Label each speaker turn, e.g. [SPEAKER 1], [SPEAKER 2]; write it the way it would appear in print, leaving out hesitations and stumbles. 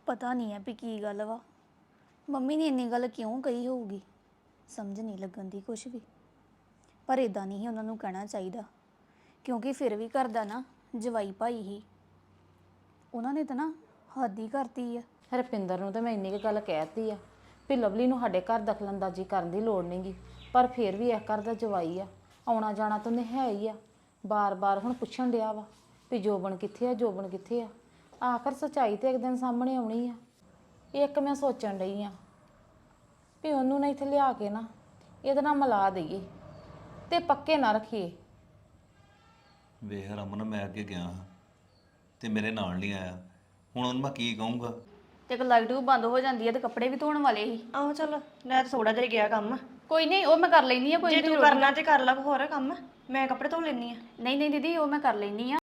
[SPEAKER 1] ਪਤਾ ਨਹੀਂ ਹੈ ਵੀ ਕੀ ਗੱਲ ਵਾ ਮੰਮੀ ਨੇ ਇੰਨੀ ਗੱਲ ਕਿਉਂ ਕਹੀ ਹੋਊਗੀ ਸਮਝ ਨਹੀਂ ਲੱਗਣ ਦੀ ਕੁਛ ਵੀ ਪਰ ਇਦਾਂ ਨਹੀਂ ਉਹਨਾਂ ਨੂੰ ਕਹਿਣਾ ਚਾਹੀਦਾ ਕਿਉਂਕਿ ਫਿਰ ਵੀ ਘਰ ਦਾ ਨਾ ਜਵਾਈ ਭਾਈ ਹੀ ਉਹਨਾਂ ਨੇ ਤਾਂ ਨਾ ਹੱਦ ਹੀ ਕਰਤੀ ਆ।
[SPEAKER 2] ਰੁਪਿੰਦਰ ਨੂੰ ਤਾਂ ਮੈਂ ਇੰਨੀ ਕੁ ਗੱਲ ਕਹਿਤੀ ਆ ਵੀ ਲਵਲੀ ਨੂੰ ਸਾਡੇ ਘਰ ਦਖਲਅੰਦਾਜ਼ੀ ਕਰਨ ਦੀ ਲੋੜ ਨਹੀਂਗੀ ਪਰ ਫਿਰ ਵੀ ਇਸ ਘਰ ਦਾ ਜਵਾਈ ਆ ਆਉਣਾ ਜਾਣਾ ਤਾਂ ਉਹਨੇ ਹੈ ਹੀ ਆ। ਬਾਰ-ਬਾਰ ਹੁਣ ਪੁੱਛਣ ਡਿਆ ਵਾ ਵੀ ਜੋਬਨ ਕਿੱਥੇ ਆ ਜੋਬਨ ਕਿੱਥੇ ਆ। ਆਖਰ ਸੱਚਾਈ ਤੇ ਇੱਕ ਦਿਨ ਸਾਹਮਣੇ ਆਉਣੀ ਆ। ਇੱਕ ਮੈਂ ਸੋਚਣ ਡਈ ਆ ਵੀ ਉਹਨੂੰ ਨਾ ਇੱਥੇ ਲਿਆ ਕੇ ਨਾ ਇਹਦੇ ਨਾਲ ਮਿਲਾ ਦਈਏ ਤੇ ਪੱਕੇ ਨਾ ਰੱਖੀਏ।
[SPEAKER 3] ਵੇਖ ਰਮਨ ਮੈਂ ਅੱਗੇ ਗਿਆ ਹਾਂ ਤੇ ਮੇਰੇ ਨਾਲ ਨਹੀਂ ਆਇਆ ਹੁਣ ਉਹਨੂੰ ਮੈਂ ਕੀ ਕਹੂੰਗਾ।
[SPEAKER 1] ਤੇ ਇੱਕ ਲਾਈਟ ਵੀ ਬੰਦ ਹੋ ਜਾਂਦੀ ਹੈ ਤੇ ਕੱਪੜੇ ਵੀ ਧੋਣ ਵਾਲੇ ਹੀ।
[SPEAKER 4] ਆਹੋ ਚਲ ਮੈਂ ਤਾਂ ਥੋੜਾ ਜਿਹਾ ਗਿਆ ਕੰਮ।
[SPEAKER 1] ਕੋਈ ਨਹੀਂ ਉਹ ਮੈਂ ਕਰ ਲੈਣੀ ਆ ਕੋਈ
[SPEAKER 4] ਜੇ ਤੂੰ ਕਰਨਾ ਤੇ ਕਰ ਲਾ ਹੋਰ ਕੰਮ, ਮੈਂ ਕੱਪੜੇ ਧੋ ਲੈਣੀ ਆ।
[SPEAKER 1] ਨਹੀਂ ਨਹੀਂ ਦੀਦੀ ਉਹ ਮੈਂ ਕਰ ਲੈਣੀ ਆ।